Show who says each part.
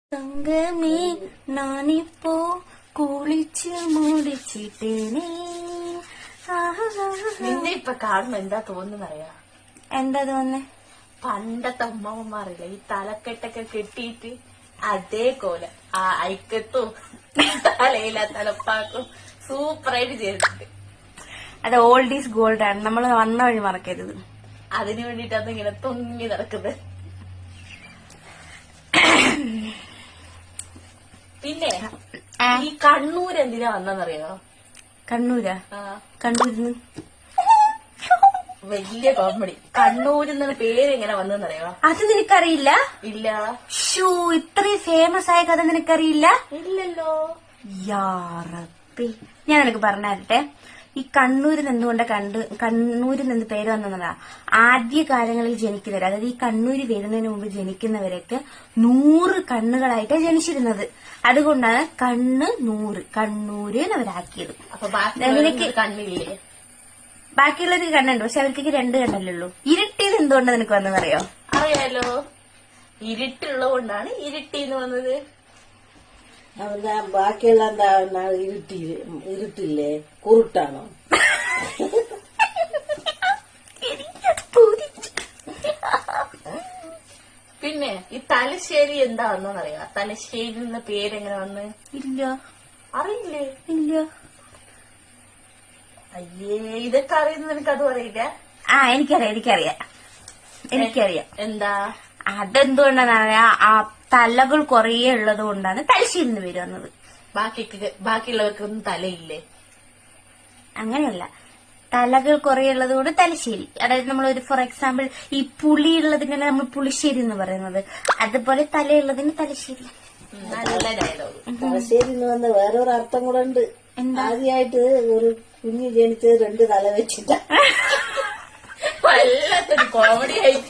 Speaker 1: തങ്കമേ നാനിപ്പോ കുളിച്ച് മുടിച്ചിട്ടേനേ.
Speaker 2: നിന്നെ ഇപ്പൊ കാണുമ്പോ എന്താ തോന്നുന്നറിയാ?
Speaker 1: എന്താ തോന്നുന്നേ?
Speaker 2: പണ്ടത്തെ അമ്മമാറില്ല ഈ തലക്കെട്ടൊക്കെ കെട്ടിയിട്ട് അതേപോലെ ആ ഐക്കത്തും തലയില തലപ്പാക്കും സൂപ്പറായിട്ട് ചെയ്തിട്ടുണ്ട്.
Speaker 1: അത് ഓൾഡ് ഈസ് ഗോൾഡ് ആണ്, നമ്മൾ വന്ന വഴി മറക്കരുത്.
Speaker 2: അതിനു വേണ്ടിട്ടാണ് ഇങ്ങനെ തൊങ്ങി നടക്കുന്നത്. പിന്നെ ഈ കണ്ണൂർ എന്തിനാ വന്നറിയോ?
Speaker 1: കണ്ണൂരാ? കണ്ണൂരിന്ന്
Speaker 2: വലിയ കോമഡി. കണ്ണൂരിന്ന് പേര് എങ്ങനെ വന്നെന്നറിയോ?
Speaker 1: അത് നിനക്കറിയില്ല?
Speaker 2: ഇല്ല.
Speaker 1: ഷൂ, ഇത്രയും ഫേമസ് ആയ കഥ നിനക്കറിയില്ല?
Speaker 2: ഇല്ലല്ലോ.
Speaker 1: യാറപ്പി, ഞാൻ നിനക്ക് പറഞ്ഞുതരട്ടെ. ഈ കണ്ണൂരിൽ നിന്നുകൊണ്ട് കണ്ണൂരിൽ നിന്ന് പേര് വന്നതാ. ആദ്യ കാലങ്ങളിൽ ജനിക്കുന്നവർ, അതായത് ഈ കണ്ണൂര് വരുന്നതിന് മുമ്പ് ജനിക്കുന്നവരൊക്കെ 100 കണ്ണുകളായിട്ടാണ് ജനിച്ചിരുന്നത്. അതുകൊണ്ടാണ് കണ്ണൂര് അവരാക്കിയത്.
Speaker 2: അപ്പൊ കണ്ണില്ലേ?
Speaker 1: ബാക്കിയുള്ളവർക്ക് കണ്ണുണ്ട്, പക്ഷെ അവർക്ക് 2 കണ്ണല്ലേ ഉള്ളൂ. ഇരുട്ടിയത് എന്തുകൊണ്ടാണ് നിനക്ക് വന്നതറിയോ?
Speaker 2: അറിയാലോ, ഇരുട്ടുള്ളതുകൊണ്ടാണ് ഇരുട്ടിന്ന് വന്നത്.
Speaker 3: ബാക്കിയുള്ള എന്താ ഇരുട്ടില്ലേ, കുരുട്ടാണോ?
Speaker 2: പിന്നെ ഈ തലശ്ശേരി എന്താ വന്നറിയാ? തലശ്ശേരി എന്ന പേരെങ്ങനെ വന്ന്?
Speaker 1: ഇല്ല.
Speaker 2: അറിയില്ലേ?
Speaker 1: ഇല്ല.
Speaker 2: അയ്യേ, ഇതൊക്കെ അറിയുന്നത് നിനക്കതും അറിയില്ല?
Speaker 1: എനിക്കറിയാം.
Speaker 2: എന്താ?
Speaker 1: അതെന്തുകൊണ്ടാണ് ആ തലകൾ കുറേ ഉള്ളത് കൊണ്ടാണ് തലശ്ശേരി നിന്ന് പേര് വന്നത്.
Speaker 2: ബാക്കിയുള്ളവർക്കൊന്നും തലയില്ലേ?
Speaker 1: അങ്ങനെയല്ല, തലകൾ കുറേ ഉള്ളത് കൊണ്ട് തലശ്ശേരി. അതായത് നമ്മൾ ഒരു ഫോർ എക്സാമ്പിൾ ഈ പുളി ഉള്ളതിനാണ് നമ്മൾ പുളിശ്ശേരി എന്ന് പറയുന്നത്. അതുപോലെ തലയുള്ളതിന് തലശ്ശേരി.
Speaker 2: നല്ല ഡയലോഗ്.
Speaker 3: തലശ്ശേരി എന്ന് വന്ന വേറൊരു അർത്ഥം കൂടെ ഉണ്ട്. ആദ്യമായിട്ട് ഒരു കുഞ്ഞ് ജനിച്ചത് 2 തല വെച്ചിട്ടാ.
Speaker 2: വല്ലാത്തൊരു കോമഡി ആയിട്ട്